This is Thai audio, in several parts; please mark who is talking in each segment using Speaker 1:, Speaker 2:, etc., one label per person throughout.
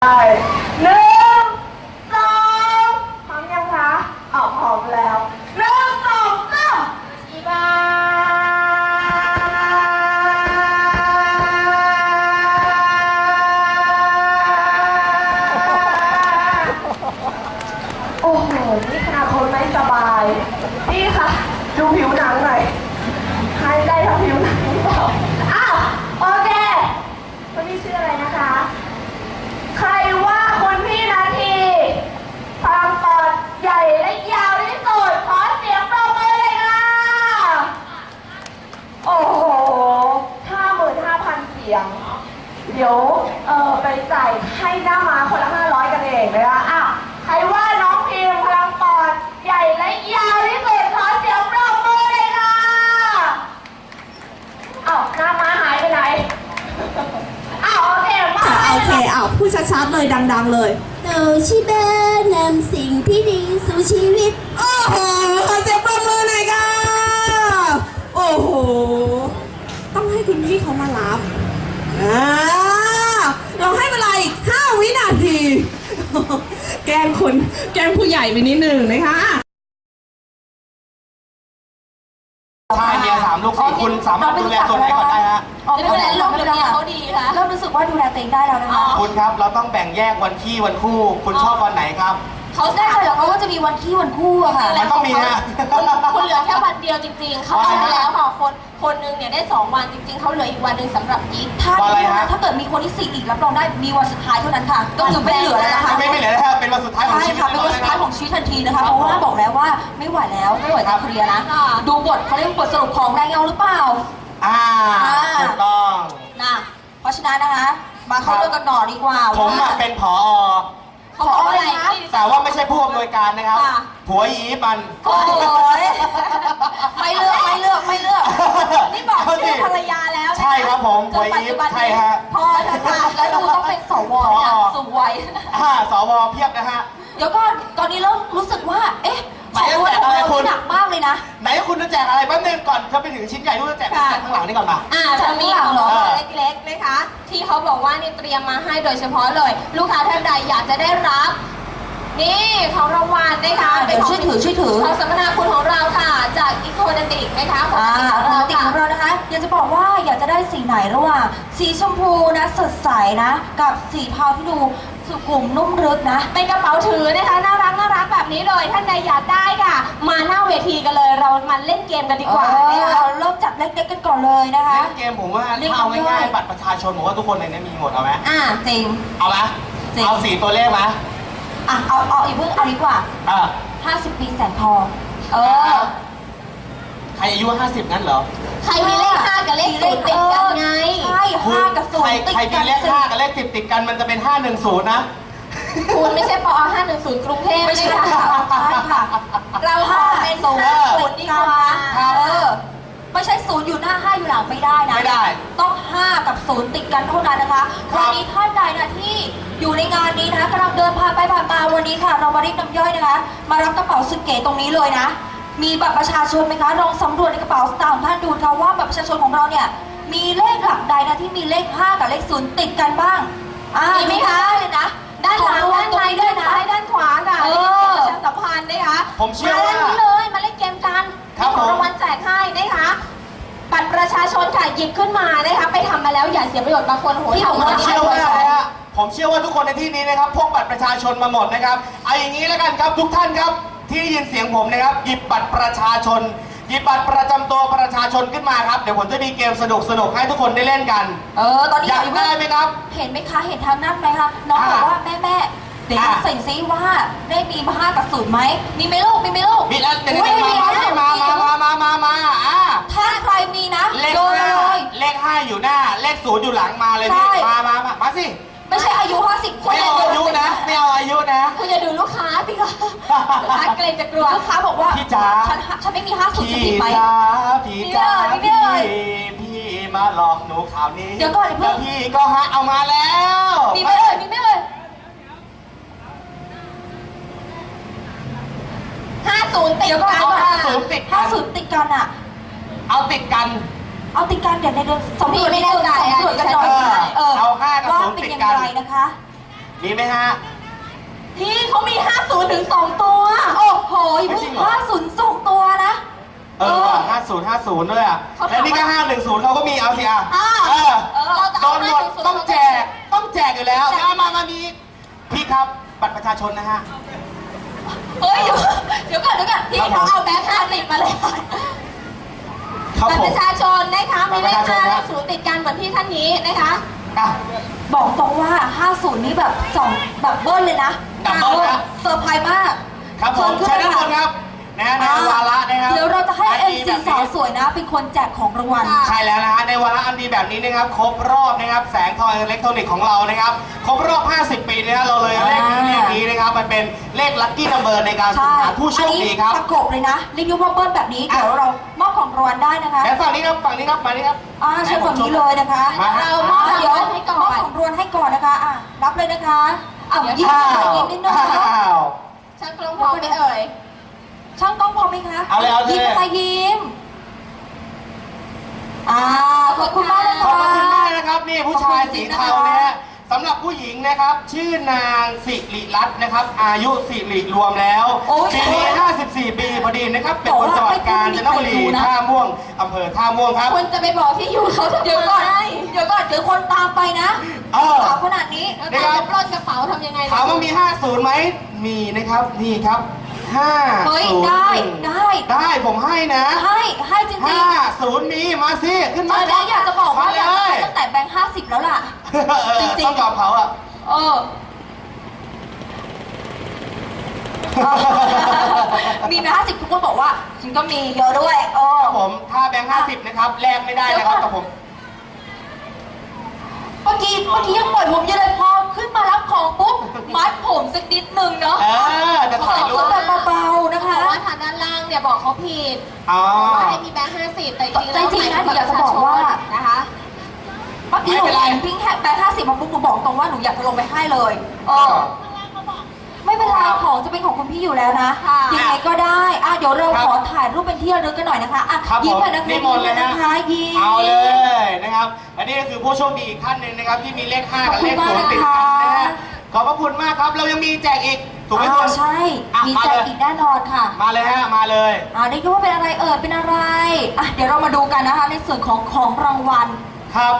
Speaker 1: หนึ่งสองพร้อมยังคะพร้อมแล้วหนึ่งสองสามอีบาโอ้โหนี่ขนาดคนไม่สบายนี่ค่ะดูผิวหนังหน่อยให้ได้ทั้งผิวหนังหรือเปล่าอ้าวโอเคคนนี้ชื่ออะไรนะคะใครว่าคุณพี่นาทีพลังปอดใหญ่และยาวที่สุดขอเสียงปรบมือเลยค่ะโอ้โห 55,000 เสียงเดี๋ยวไปจ่ายให้หน้าม้าคนละ500กันเองนะคะอ้าวใครว่าน้องพิมพลังปอดใหญ่และยาวที่สุดขอเสียงปรบมือเลยค่ะอ้าวหน้าม้าหายไปไหนอ้าวโอเคมา
Speaker 2: พูดชัดๆเลยดังๆเลย
Speaker 3: หนูชิเบนำสิ่งที่ดีสู่ชีวิต
Speaker 2: โอ้โหขอเสียงปรบมือหน่อยค่ะโอ้โหต้องให้คุณพี่เขามารับเราให้เวลาอีก5 วินาทีแกล้งผู้ใหญ่ไปนิดหนึ่งนะคะ
Speaker 4: ใช่เนี่ย3 ลูก 4คุณสามารถดูแลส่วนไหนก่อนได้ฮะ
Speaker 1: ไม่เป็นไรเราเป็นเขาดีค่ะ
Speaker 3: เริ่มรู้สึกว่าดูแลตัวเองได้แล้วนะคะ
Speaker 4: คุณครับเราต้องแบ่งแยกวันขี้วันคู่คุณชอบวันไหนครับ
Speaker 3: เขาได้เหรอเขาก็จะมีวันขี้วันคู่อะค่ะ
Speaker 4: มันต้องมีฮะ
Speaker 1: คุณเหลือแค่วันเดียวจริงๆเขาเอาไปแล้วค่ะคนนึงเนี่ยได้2 วันจริงๆเขาเหลืออีกวันนึงสำหรับยิป
Speaker 3: ถ้าเกิดมีคนที่4อีกรับรองได้มีวันสุดท้ายเท่านั้นค่ะก็คือไม่เหลือแล้วนะคะ
Speaker 4: ไม่เหลือแล้วเป็นวันสุดท้ายของชีวิต
Speaker 3: เป็นวันสุดท้ายของชีวิตทันทีนะคะเพราะว่าบอกแล้วว่าไม่ไหวแล้วไม่ไหวจะเคลียร์นะดูบทเขาเรียกบทสรุปของแรงเงาหรือเปล่า
Speaker 4: ถูกต้อง
Speaker 3: นะเพราะฉะนั้นนะคะมาเข้าเรื่องกันหน่อดีกว่า
Speaker 4: ผมเป็นผอ.
Speaker 3: อะไรนะ
Speaker 4: แต่ว่าไม่ใช่ผู้อำนวยการนะครับผัวยีมัน
Speaker 3: โอ้ยไม่เลือก
Speaker 1: นี่บอกชื่อภรรยาแล้ว
Speaker 4: ใช่ครับผมผัวยีใช่ฮะ
Speaker 3: พอค่ะแล้วดูต้องเป็นสวเนี่ยสวย
Speaker 4: สวเพียบนะฮะ
Speaker 3: เดี๋ยวก็ตอนนี้เริ่มรู้สึกว่าเอ๊ะของเราหนักมากเลยนะ
Speaker 4: ไหนคุณจะแจกอะไรแป๊บนึงก่อนจะไปถึงชิ้นใหญ่คุณจะแจกข้างหลังนี่ก่อนมา
Speaker 1: จะมีของเล็กๆนะคะที่เขาบอกว่านี่เตรียมมาให้โดยเฉพาะเลยลูกค้าท่านใดอยากจะได้รับนี่ของรางวัลนะคะ
Speaker 3: เดี๋ยวช่วยถือ
Speaker 1: ของสัมมนาคุณของเราค่ะจากอีโคเดนติกนะคะของเรา
Speaker 3: นะคะอยากจะบอกว่าอยากจะได้สีไหนระหว่างสีชมพูนะสดใสนะกับสีเทาที่ดูสุขุมนุ่มลึกนะ
Speaker 1: เป็นกระเป๋าถือนะคะน่ารักแบบนี้เลยท่านใดอยากได้ค่ะมาหน้าเวทีกันเลยเรามาเล่นเกมกันดีกว่า
Speaker 3: เราเริ่มจากเล็กๆกันก่อนเลยนะคะ
Speaker 4: เล่นเกมผมว่าเอาง่ายๆบัตรประชาชนผมว่าทุกคนในนี้มีหมดเอาไหม
Speaker 3: จริง
Speaker 4: เอาไหมเอา4 ตัวเลขไหม
Speaker 3: เอาอีกเพิ่งเอาดีกว่า50 ปีแสนทอง
Speaker 4: ใครอายุ50งั้นเหรอ
Speaker 1: ใครมีเลข5กับเลข0ติดกันไง
Speaker 3: ใช่5 กับ 0
Speaker 4: ติดกันใครมีเลข5กับเลข10ติดกันมันจะเป็น510นะ
Speaker 1: คุณไม่ใช่ปอ510กรุงเทพ
Speaker 3: ไม่ใช่ค่ะ
Speaker 1: เราเป็น0ดีกว่า
Speaker 3: ไม่ใช่0อยู่หน้า5อยู่หลังไม่ได้นะ
Speaker 4: ไม่ได้
Speaker 3: ต้อง5 กับ 0ติดกันเท่านั้นนะคะวันนี้ท่านใดนะที่อยู่ในงานนี้นะคะกำลังเดินผ่านไปผ่านมาวันนี้ค่ะเรามาเรียกน้ำย่อยนะคะมารับกระเป๋าสุดเก๋ตรงนี้เลยนะมีบัตรประชาชนไหมคะลองสำรวจในกระเป๋าสตางค์ของท่านดูค่ะว่าบัตรประชาชนของเราเนี่ยมีเลขหลักใดนะที่มีเลข5กับเลข0ติดกันบ้าง
Speaker 1: มีไหมคะ
Speaker 3: เลยนะ
Speaker 1: ด้านหลังด้านในด้านซ้ายด้านขวาค่ะประชาสัมพันธ์นะคะ
Speaker 4: ผมเชื่อว่า
Speaker 1: มาเลยมาเล่นเกมกันมีของรางวัลแจกให้นะคะบัตรประชาชนค่ะหยิบขึ้นมานะคะไปทำมาแล้วอย่าเสียประโยชน์บางคนโหย
Speaker 4: ผมเชื่อว่าทุกคนในที่นี้นะครับพกบัตรประชาชนมาหมดนะครับเอาอย่างนี้แล้วกันครับทุกท่านครับที่ได้ยินเสียงผมนะครับหยิบบัตรประชาชนหยิบบัตรประจำตัวประชาชนขึ้นมาครับเดี๋ยวผมจะมีเกมสนุกให้ทุกคนได้เล่นกัน
Speaker 3: ตอนนี้
Speaker 4: อยากได้ไหมครับ
Speaker 3: เห็นไหมคะเห็นทางนั้นไหมคะน้องบอกว่าแม่เดี๋ยวใส่ซิว่าได้มี5 กับ 0ไหมมีไหมลูกมี
Speaker 4: แล้วเดี๋ยวมา
Speaker 3: ถ้าใครมีนะ
Speaker 4: เลข5อยู่หน้าเลข0อยู่หลังมาเลยพี่มาสิ
Speaker 3: ไม่ใช่อายุ50
Speaker 4: ไม่เอาอายุนะไม่เอาอายุนะ
Speaker 1: คุณจะดูลูกค้าสิคะลูกค้าเกรงจะกลัว
Speaker 3: ลูกค้าบอกว่า
Speaker 4: พี่จ๋า
Speaker 3: ฉันไม่มี50จะผิดไหม
Speaker 4: พี่มาหลอกหนูข่าวนี้
Speaker 3: เดี๋ยวก่อน
Speaker 4: พี่ก็เอามาแล้ว
Speaker 3: มีไม่เลย
Speaker 1: 50ติดกัน
Speaker 4: 50ติดกัน
Speaker 3: 50ติดกัน
Speaker 4: เอาติดกัน
Speaker 3: เดี๋ยวในเดือน2 เดือนไม่ได้สำรวจกันหน่อย
Speaker 4: เอา5 กับ 0ติดกัน
Speaker 3: นะคะ
Speaker 4: มีไหมฮะ
Speaker 1: พี่เขามี 50 ถึง 2 ตัว
Speaker 3: โอ้โหอย่า
Speaker 4: ไม่
Speaker 3: เพิ่
Speaker 4: จริ
Speaker 3: ง
Speaker 4: งเหรอ
Speaker 3: 50 ด้วยนะ
Speaker 4: ว่ะ50ด้วยอ่ะ แล้วนี่ก็510เขาก็มีเอาสิอ่ะ เออ
Speaker 1: เราจะ
Speaker 4: โด
Speaker 1: เอา
Speaker 4: นหมดต้องแจก ต้องแจกอยู่แล้วมามีพี่ครับบัตรประชาชนนะฮะ
Speaker 3: เฮ้ยเดี๋ยวก่อนพี่
Speaker 4: ครับผม
Speaker 3: เขาเอาแบงค์50มาเลย
Speaker 4: ครับ
Speaker 1: บัตร
Speaker 4: ผ
Speaker 1: ป
Speaker 4: ม
Speaker 1: ระชาชนนะคะมีเลข
Speaker 4: บัตรประชาชน
Speaker 1: 5
Speaker 4: ค
Speaker 1: เล
Speaker 4: รับ
Speaker 1: ข 0 ติดกันเหมือนที่ท่านนี้นะคะ
Speaker 4: อ่ะ
Speaker 3: บอกตรงว่า 50 นี่แบบแบบเบิ้ลเลยนะ
Speaker 4: ดับเบิ้ลนะ
Speaker 3: เซอร์ไพรส์มาก
Speaker 4: ครับผม
Speaker 3: เชิ
Speaker 4: ใช้
Speaker 3: ญ
Speaker 4: ด้านบ
Speaker 3: ขึ้
Speaker 4: น
Speaker 3: น
Speaker 4: ครับนะในวาระนะครับ
Speaker 3: เดี๋ยวเราจะให้
Speaker 4: นดี
Speaker 3: MC
Speaker 4: แบบนี้
Speaker 3: สาวสวยนะ เป็นคนแจกของรางวัล
Speaker 4: ใช่แล้วนะฮะในวาระอันดีแบบนี้นะครับครบรอบนะครับแสงทองอิเล็กทรอนิกส์ของเรานะครับครบรอบ 50 ปีนะฮะเราเลยเอาเลขนี้นะครับมันเป็นเลขลัคกี้นัมเบอร์ในการสุ่มหาผู้โชคดีครับ
Speaker 3: อันนี้ประกบเลยนะเรียกว่าเบิ้ลแบบนี้ เดี๋ยวเรามอบของรางวัลได้นะคะ
Speaker 4: และฝั่งนี้ครับฝั่งนี้ครับมานี่ครับ
Speaker 3: เชิญฝั่งนี้เลยนะคะ
Speaker 4: มาฮะ
Speaker 1: เรามอบ
Speaker 3: เดี๋ยว
Speaker 1: รางวัลให้ก่อน
Speaker 3: มอบของรางวัลให้ก่อนนะคะรับเลยนะคะยิ้ม
Speaker 4: อ้า
Speaker 3: หน่อยว ยิ้มนิดหน่อย
Speaker 4: อ้าว
Speaker 1: ช่างกล้องพร้อมไหมเอ่ย
Speaker 3: ช่างกล้องพร้อมไหมคะ
Speaker 4: เอาเลยเอาเลย
Speaker 3: ยิ้มนะคะยิ้มขอบคุณมากนะ
Speaker 4: ขอบ
Speaker 3: คะ
Speaker 4: คุณมากนะครับนี่ผู้ชายสีเทานะฮะสำหรับผู้หญิงนะครับชื่อนางสิริรัตน์นะครับอายุสิริรวมแล้วปีนี้54 ปีพอดีนะครับเป็นคนจังหวัดกาญจนบุรีท่าม่วงอำเภอท่าม่วงครับ
Speaker 1: คุณจะไปบอกที่อยู่เขาทำไม
Speaker 3: เดี๋ยวก่อนเดี๋ยวคนตามไปนะ
Speaker 4: เออ
Speaker 3: สาวขนาดนี้
Speaker 1: แล้วการจะปล้นกระเป๋าทำยังไงล่ะ
Speaker 4: ถามว่ามี 50ไหมมีนะครับนี่ครับ5
Speaker 3: เฮ้ย
Speaker 4: 0 ได้ผมให้นะ
Speaker 3: ให้จริงๆ
Speaker 4: 50มีมาสิขึ้น
Speaker 3: ต
Speaker 4: มา
Speaker 3: อนนี้อยากจะบอกว่า
Speaker 4: เล
Speaker 3: อยาก
Speaker 4: ย
Speaker 3: ให้ตั้งแต่แบงค์50 แล้วล่ะ จริงๆ
Speaker 4: ต้องยอมเขาอ่ะ
Speaker 3: เออ มีแบงค์50ทุกคนบอกว่าฉันก็มีเยอะด้วย
Speaker 4: ผมถ้าแบงค์50นะครับแลกไม่ได้นะครับกับผม
Speaker 3: เมื่อกี้ยังปล่อยผมอยู่เลยพอขึ้นมารับของปุ๊บมัดผมสักนิดนึงเนาะ
Speaker 4: จะถ่ายรูป
Speaker 3: แบบเบาๆนะคะ
Speaker 1: เพราะว่าทางด้านล่างเนี่ยบอกเขาผิด
Speaker 4: อ๋อ
Speaker 1: บอกว่าให้มีแบงค์50 แต่จริงๆ
Speaker 3: ใจจริงนะ
Speaker 1: แล้ว
Speaker 3: อยากจะบอกว่า
Speaker 1: นะคะ
Speaker 3: เมื่อกี้หนูเห็นพิงค์แบงค์50มาปุ๊บหนูบอกตรงว่าหนูอยากจะลงไปให้เลยไม่เป็นไรของจะเป็นของคุณพี่อยู่แล้วนะ
Speaker 1: ค่ะ
Speaker 3: ยังไงก็ได้เดี๋ยวเราขอถ่ายรูปเป็นที่ระลึกกันหน่อยนะคะ
Speaker 4: ครับ
Speaker 3: ยิ้ม
Speaker 4: ผม
Speaker 3: ไปนะคะ
Speaker 4: นิมนต์เลยนะ
Speaker 3: นะคะยิ้ม
Speaker 4: เอาเลยนะครับและนี่ก็คือผู้โชคดีอีกท่านหนึ่งนะครับที่มีเลข5กับเลข0ติดกันนะฮะขอบพระคุณมากครับเรายังมีแจกอีกถูกไหมคุณ
Speaker 3: ใช่ มี
Speaker 4: มา
Speaker 3: แจ
Speaker 4: เล
Speaker 3: ก
Speaker 4: ย
Speaker 3: อีกแน่นอนค่ะ
Speaker 4: มาเลยฮะมาเลย
Speaker 3: ได้รู้ว่าเป็นอะไรเป็นอะไรเดี๋ยวเรามาดูกันนะคะ ในส่วนของรางวัล
Speaker 4: ครับ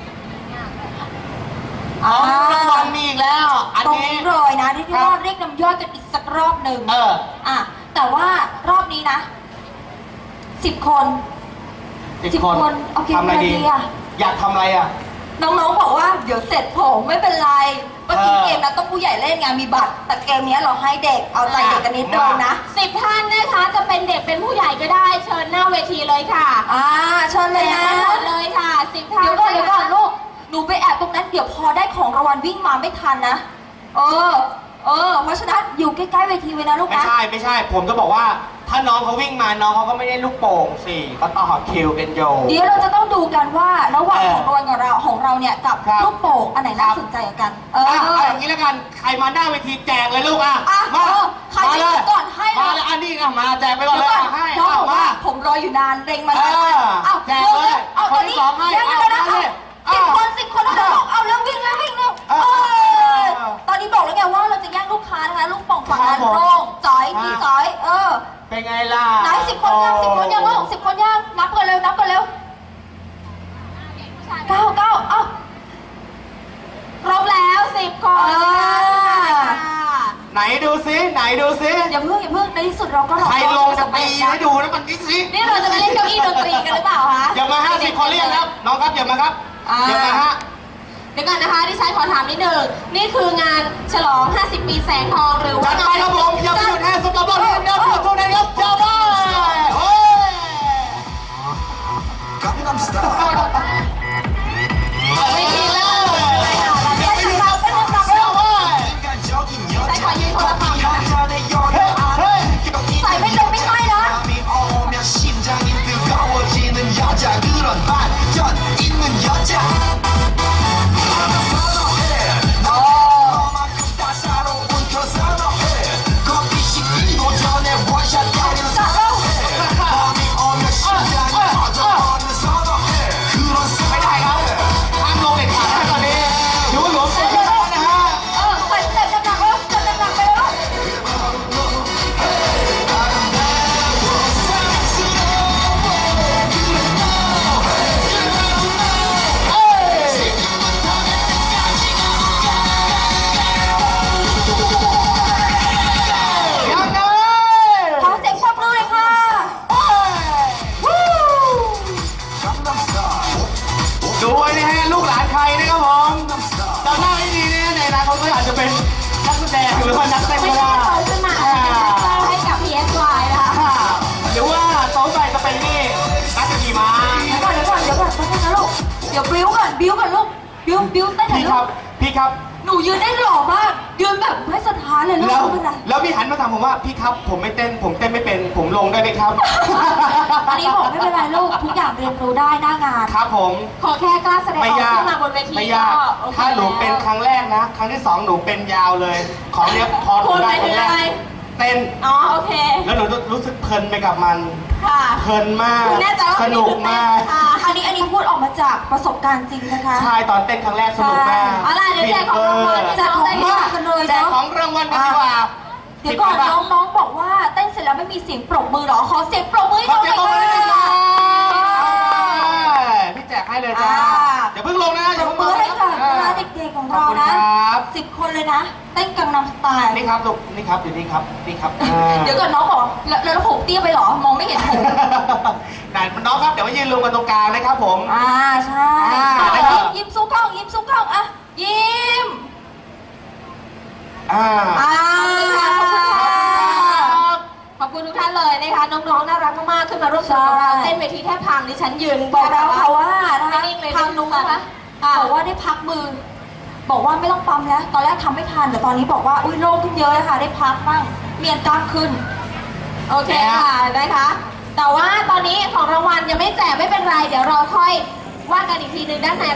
Speaker 4: รางวัลมีอีกแล้วอัน
Speaker 3: ตรง
Speaker 4: นี้
Speaker 3: นี้เลยนะที่ว่าเรียกน้ำย่อยกันอีกสักรอบหนึ่งแต่ว่ารอบนี้นะ10 คน
Speaker 4: 10 คน
Speaker 3: โอเค
Speaker 4: ทำอะไรดี
Speaker 3: ดีอะ
Speaker 4: อยากทำอะไรอ่ะ
Speaker 3: น้องๆบอกว่าเดี๋ยวเสร็จผมไม่เป็นไรเมื่อกี้
Speaker 4: เออ
Speaker 3: เกมนั้นต้องผู้ใหญ่เล่นไงมีบัตร แต่เกมนี้เราให้เด็กเอาใจเด็กกันนิดนึงนะ
Speaker 1: 10 ท่านนะคะจะเป็นเด็กเป็นผู้ใหญ่ก็ได้เชิญหน้าเวทีเลยค่ะ
Speaker 3: เชิญเลยนะ
Speaker 1: หมดเลยค่ะ10 ท่าน
Speaker 3: เดี๋ยวก่อนลูกหนูไปแอบตรงนั้นเดี๋ยวพอได้ของรางวัลวิ่งมาไม่ทันนะเพราะฉะนั้นอยู่ใกล้ๆเวทีไว้นะลูก
Speaker 4: ไม่
Speaker 3: นะ
Speaker 4: ใช่ ผมจะบอกว่าถ้าน้องเขาวิ่งมาน้องเขาก็ไม่ได้ลูกโป่งสิเขาต่อคิวกันโย
Speaker 3: เดี๋ยวเราจะต้องดูกันว่าระหว่าง
Speaker 4: เออ
Speaker 3: ของรางวัลของเราเนี่ยกับ
Speaker 4: ครับ
Speaker 3: ลูกโป่งอันไหนน่าสนใจกว่ากัน
Speaker 4: เอาอย่างนี้แล้วกันใครมาหน้าเวทีแจกเลยลูกมา
Speaker 3: ใคร
Speaker 4: มาเลย
Speaker 3: ก่อนให้
Speaker 4: มาเลยอันนี้มาแจกไปก่อนเลยให้
Speaker 3: น้องบอก
Speaker 4: มา
Speaker 3: ว่าผมรออยู่นานเร่งมา
Speaker 4: แจกเลย
Speaker 3: เอา
Speaker 4: ค
Speaker 3: ตอน น
Speaker 4: ที่
Speaker 3: นี้
Speaker 4: สองให้
Speaker 3: เดี๋ยวนะ
Speaker 4: เอาเลย
Speaker 3: 10 คนแล้วเอาเร็ววิ่งเร็วตอนนี้บอกแล้วไงว่าเราจะแย่งลูกค้านะคะลูกโป่งฝั่งนั้นโล่งจ๋อยพี่จ๋อย
Speaker 4: เป็นไงล่ะ
Speaker 3: ไหน10 คนยัง10 คนยังลูก10 คนยังนับกันเร็ว9
Speaker 1: ครบแล้ว10 คนค่ะ
Speaker 4: ไหนดูซิ
Speaker 3: อย่าเพิ่งในที่สุดเราก็
Speaker 4: ใครลงจะตีให้ดูนะมันนี่สิ
Speaker 1: นี่เราจะไปเล่นเก้าอี้ดนตรีกันหรือเปล่าคะ
Speaker 4: อย่ามา50 คนเรียกครับน้องครับอย่ามาครับอย่ามาฮะ
Speaker 1: เดี๋ยวก่อนนะคะที่ฉันขอถามนิดหนึ่งนี่คืองานฉลอง 50 ปีแสงทองหรือ
Speaker 4: จั
Speaker 1: ว่า
Speaker 4: ดไปครับผมอย่าไปหยุดแค่สำหรับเราเรียนเดียวทุกท่านครับอย่าไปโอ้ย
Speaker 5: Gangnam Style.
Speaker 1: ไม่ดีเลย
Speaker 4: อย่าไปหยุดครับเป็นอันดับแล้วเว้ย
Speaker 5: 인간적인
Speaker 1: ใช้ขอยืนคนละฝั่งนะ
Speaker 5: 여자의 여유 안에
Speaker 3: 왜 좀 삐까이라?
Speaker 5: 밤이 오면 심장이 뜨거워지는 여자 그런 반전 있는 여자 나는 선호해 너만큼 따사로운 그 선호해 커피 식기도 전에 원샷 때리는
Speaker 4: เขาก็อาจจะเป็นนักแสดงหรือว่านักเต้น
Speaker 1: ไม่
Speaker 4: ก็
Speaker 1: ได้
Speaker 4: ได้
Speaker 1: โตขึ้นมาเป็นแดนเซอร์ให้กับ PSY นะคะ
Speaker 4: หรือว่าโต๊ะไปจะเป็นนี่นักขี่ม้า
Speaker 3: เดี๋ยวก่อนแป๊บนึงนะลูก เดี๋ยวบิ้วก่อนลูก บิ้วเต้นหน่อย
Speaker 4: พี่
Speaker 3: ลู
Speaker 4: ครั
Speaker 3: ก
Speaker 4: บพี่ครับ
Speaker 3: หนูยืนได้หล่อมาก ยืนแบบไม่สะท้านเลยลูก
Speaker 4: แล้ว
Speaker 3: ไม่เป็นไร
Speaker 4: แล้วพี่หันมาถามผมว่าพี่ครับผมไม่เต้นผมเต้นไม่เป็นผมลงได้ไหมครับ
Speaker 3: อันนี้บอกไม่เป็นไรลูก ทุกอย่างเรียนรู้ได้หน้างาน
Speaker 4: ครับผม
Speaker 1: ขอแค่กล้าแสดงอ
Speaker 4: ไม่
Speaker 1: อก
Speaker 4: ยาก
Speaker 1: ขึ้นมาบนเวที
Speaker 4: ไม่ยาก
Speaker 1: ก็โอเค
Speaker 4: ถ้าหนูเป็นครั้งแรกนะ ครั้งที่สองหนูเป็นยาวเลย ของเนี้ยพอหนู
Speaker 1: คุณ
Speaker 4: ได้
Speaker 1: ไป
Speaker 4: ค
Speaker 1: ถึ
Speaker 4: รั้
Speaker 1: ง
Speaker 4: งแร
Speaker 1: อะไร
Speaker 4: กเต้น
Speaker 1: อ๋อโอเค
Speaker 4: แล้วหนูรู้สึกเพลินไปกับมัน
Speaker 1: ค่ะ
Speaker 4: เพลินมาก
Speaker 1: คุณแน่ใจว่า
Speaker 4: สนุกมาก
Speaker 1: ค่ะ
Speaker 3: อันนี้พูดออกมาจากประสบการณ์จริงนะคะ
Speaker 4: ใช่ตอนเต้นครั้งแรกสนุกมาก
Speaker 1: เอาล่ะเดี๋ยวแจกของรางวัล
Speaker 3: แจกของรางวัลกันเลย
Speaker 4: แจก
Speaker 3: เนาะ
Speaker 4: ของรางวัลกันดีกว่า
Speaker 3: เดี๋ยวก่อนน้องบอกว่าเต้นเสร็จแล้วไม่มีเสียงปรบมือเหรอ ขอเสียงปรบมือให้
Speaker 4: ขอ
Speaker 3: น้องห
Speaker 4: เสี
Speaker 3: น่
Speaker 4: ย
Speaker 3: อง ย
Speaker 4: ปรบมือ
Speaker 3: ค่ะ
Speaker 4: ด้วยนะครับพี่แจกให้เลยจ้าอย่าเพิ่งลงนะ
Speaker 3: ปรบมือให้กับ
Speaker 4: อ่า
Speaker 3: น้าเด็กๆของเรา
Speaker 4: ขอบคุณ
Speaker 3: นะครับ 10 คนเลยนะ เต้นกังนำสไตล์
Speaker 4: นี่ครับลูกนี่ครับอยู่นี่ครับนี่ครับ
Speaker 3: เดี๋ยวก่อนน้องบอกแล้วผมเตี้ยไปเหรอ มองไม่เห็นผม
Speaker 4: ไหนน้องครับเดี๋ยวมายืนรวมกันตรงกลางนะครับผม
Speaker 3: ใช่
Speaker 4: นะครับ
Speaker 3: ยิ้มสู้กล้องอ่ะยิ้ม
Speaker 4: อ่า
Speaker 1: ขอบคุณทุกท่านเลยนะคะ น้องๆ น่ารักมากๆ ขึ้นมาร่วมสนุกกับเราเต้นเวทีแทบพังดิฉันยืน
Speaker 3: บอกเราค่ะว่านะคะ
Speaker 1: นิ่งๆเลย
Speaker 3: ทางนุ้งนะคะบอกว่าได้พักมือ บอกว่าไม่ต้องปั๊มแล้ว ตอนแรกทำไม่ทันแต่ตอนนี้บอกว่าอุ้ยโล่งขึ้นเยอะเลยค่ะ ได้พักบ้างเมียนกล้ามขึ้น
Speaker 1: โอเคค่ะนะคะ แต่ว่าตอนนี้ของรางวัลยังไม่แจกไม่เป็นไร เดี๋ยวเราค่อยว่ากันอีกทีนึงด้านใน